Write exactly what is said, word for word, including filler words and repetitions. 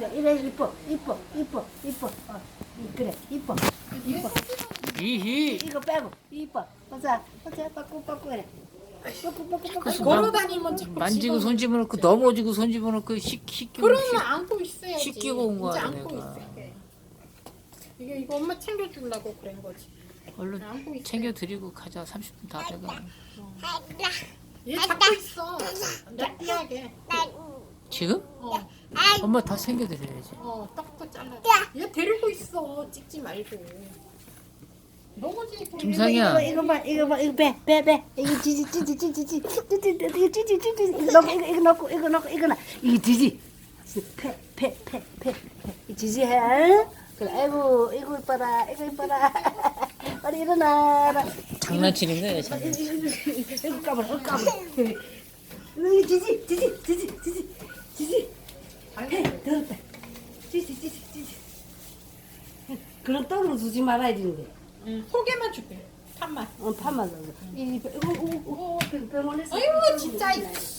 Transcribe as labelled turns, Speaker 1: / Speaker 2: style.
Speaker 1: 이래 이래 이뻐 이뻐 이뻐 이뻐 어, 그래 이뻐 이뻐
Speaker 2: 이히.
Speaker 1: 이거 빼고 이뻐 보자 보자 빠꾸 빠꾸 그래 빠꾸 빠꾸 빠꾸
Speaker 2: 자꾸
Speaker 3: 걸어 다니면 자꾸
Speaker 2: 만지고 손
Speaker 3: 집어넣어.
Speaker 2: 집어넣고 넘어지고 손 집어넣고 식 씻기고
Speaker 3: 그러면
Speaker 2: 식-
Speaker 3: 안고 있어야지.
Speaker 2: 씻기고 온 거야,
Speaker 3: 이제 안고
Speaker 2: 내가.
Speaker 3: 있을게. 이거 이거 엄마 챙겨주려고 그런 거지.
Speaker 2: 얼른
Speaker 3: 안고 있어.
Speaker 2: 챙겨드리고 가자. 삼십 분 다 돼가.
Speaker 3: 얘 잡고 있어. 느끼하게.
Speaker 2: 지금?
Speaker 3: 어,
Speaker 2: 엄마 다 챙겨드려야지.
Speaker 3: 어, 떡도 잘라. 얘 데리고 있어. 찍지 말고. 넘어지게.
Speaker 2: 김상이야.
Speaker 1: 이거 이거 봐 이거 봐 이거 빼 빼 빼 이거 지지 지지 지지 지지 지지 이거 지지 지지 이거 넣고 이거 이거 넣고 이거 넣고 이거 나 이거 지지 패패패패패 지지 해 그래 아이고 이거 이뻐라 이거 이뻐라 빨리 일어나라
Speaker 2: 장난치는 거야, 장난.
Speaker 1: 이거 까불어 까불어 이거 지지 지지 지지 지지 지지 패 들었다 지지 지지 지지 그런 떡으로 주지 말아야 되는데
Speaker 3: 응, 소개만 줄게. 탑만.
Speaker 1: 어, 파만 넣어. 이, 이거, 이거, 이거, 병원에서.
Speaker 3: 아이고 진짜.